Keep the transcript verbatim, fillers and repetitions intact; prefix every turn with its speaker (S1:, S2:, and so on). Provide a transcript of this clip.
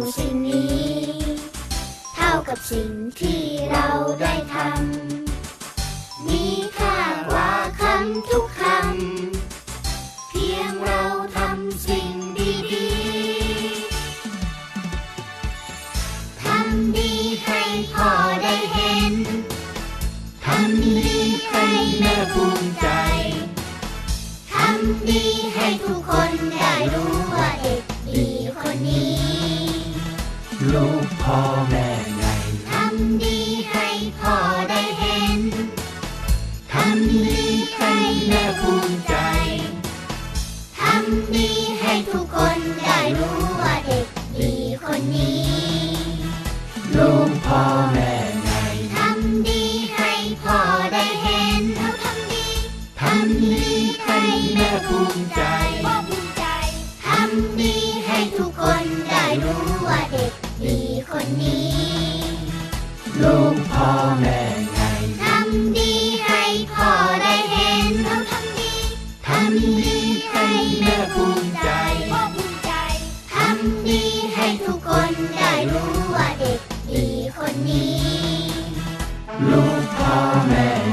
S1: สิ่งนี้เท่ากับสิ่งที่เราได้ทำมีค่ากว่าคำทุกคำเพียงเราทำสิ่งดีๆทำดีให้พ่อได้เห็นทำดีให้แม่ภูมิใจทำดีให้ทุกคนได้รู้ว่าเด็กดีคนนี้
S2: ลูกพ่อแม่ไง
S1: ทำดีให้พ่อได้เห็นทำดีให้แม่ภูมิใจทำดีให้ทุกคนได้รู้ว่าเด็กดีคนนี้
S2: ลูกพ่อแม่ไง
S1: ทำดีให้พ่อได้เห็นเราทำดี
S2: ทำดีให้แม่ภูมิใจ
S1: พ่อภูมิใจทำดีให้ทุกคนได้รู้ว่าเด็กดีคนนี้
S2: ลูกพ่อแม่ไง
S1: ทำดีให้พ่อได้เห็นเราทำดี
S2: ทำดีให้แม่ภูมิใจ
S1: พ่อภูมิใจทำดีให้ทุกคนได้รู้ว่าเด็กดีคนนี้
S2: ลูกพ่อแม่